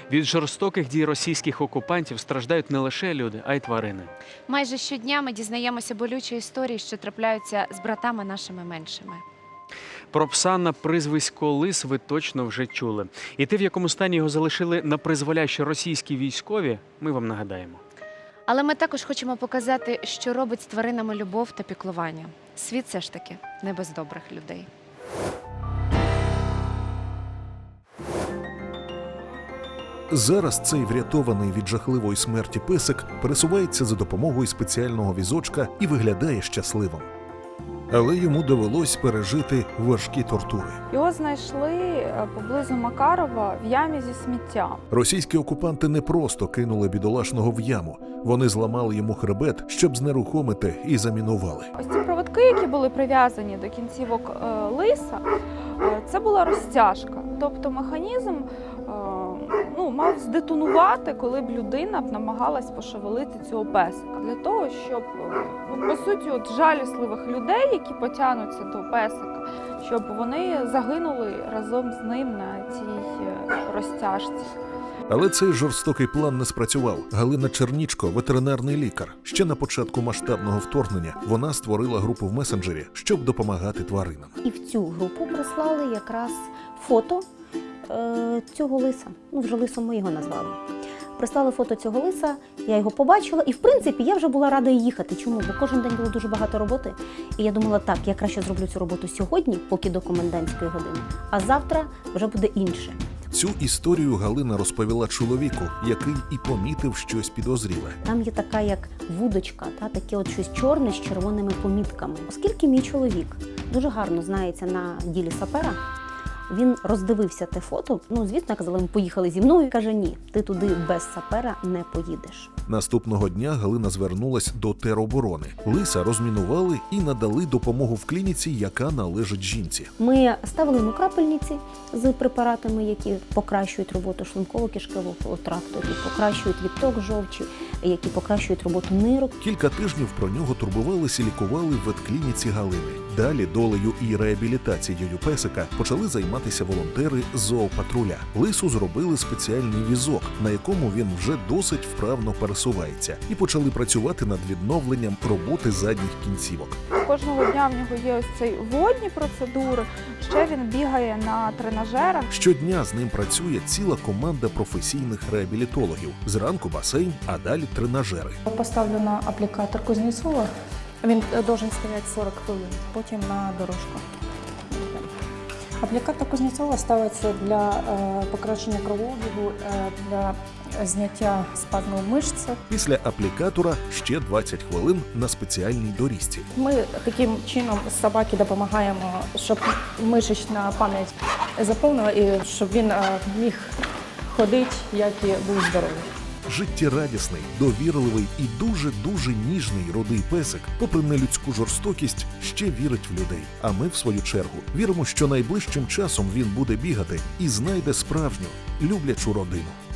Від жорстоких дій російських окупантів страждають не лише люди, а й тварини. Майже щодня ми дізнаємося болючі історії, що трапляються з братами нашими меншими. Про пса на прізвисько Лис ви точно вже чули. І те, в якому стані його залишили на призволяще російські військові, ми вам нагадаємо. Але ми також хочемо показати, що робить з тваринами любов та піклування. Світ все ж таки не без добрих людей. Зараз цей врятований від жахливої смерті песик пересувається за допомогою спеціального візочка і виглядає щасливим. Але йому довелось пережити важкі тортури. Його знайшли поблизу Макарова в ямі зі сміттям. Російські окупанти не просто кинули бідолашного в яму. Вони зламали йому хребет, щоб знерухомити, і замінували. Ось ці проводки, які були прив'язані до кінцівок лиса, це була розтяжка. Тобто механізм мав здетонувати, коли б людина намагалась пошевелити цього песика. Для того, щоб, по суті, жалісливих людей, які потягнуться до песика, щоб вони загинули разом з ним на цій розтяжці. Але цей жорстокий план не спрацював. Галина Чернічко – ветеринарний лікар. Ще на початку масштабного вторгнення вона створила групу в месенджері, щоб допомагати тваринам. І в цю групу прислали якраз фото цього лиса. Вже лисом ми його назвали. Прислали фото цього лиса, я його побачила, і в принципі я вже була рада їхати. Чому? Бо кожен день було дуже багато роботи. І я думала, так, я краще зроблю цю роботу сьогодні, поки до комендантської години, а завтра вже буде інше. Цю історію Галина розповіла чоловіку, який і помітив щось підозріле. Там є така як вудочка, таке от щось чорне з червоними помітками. Оскільки мій чоловік дуже гарно знається на ділі сапера, він роздивився те фото, звісно, казали, ми поїхали зі мною, каже, ні, ти туди без сапера не поїдеш. Наступного дня Галина звернулась до тероборони. Лиса розмінували і надали допомогу в клініці, яка належить жінці. Ми ставили йому крапельниці з препаратами, які покращують роботу шлунково-кишкового тракту, які покращують відток жовчі, які покращують роботу нирок. Кілька тижнів про нього турбувалися і лікували в ветклініці Галини. Далі долею і реабілітацією песика почали займатися волонтери з зоопатруля. Лису зробили спеціальний візок, на якому він вже досить вправно пересувається, і почали працювати над відновленням роботи задніх кінцівок. Кожного дня в нього є ось ці водні процедури, ще він бігає на тренажерах. Щодня з ним працює ціла команда професійних реабілітологів. Зранку басейн, а далі тренажери. Поставлю на аплікатор Кузнєцова. Він должен стояти 40 хвилин, потім на дорожку. Аплікатор Кузнєцова ставиться для покращення кровообігу, для зняття спазму мишць. Після аплікатора ще 20 хвилин на спеціальній доріжці. Ми таким чином собаці допомагаємо, щоб мишечна пам'ять заповнила і щоб він міг ходити, як і був здоровий. Життєрадісний, довірливий і дуже-дуже ніжний рудий песик, попри нелюдську жорстокість, ще вірить в людей. А ми, в свою чергу, віримо, що найближчим часом він буде бігати і знайде справжню, люблячу родину.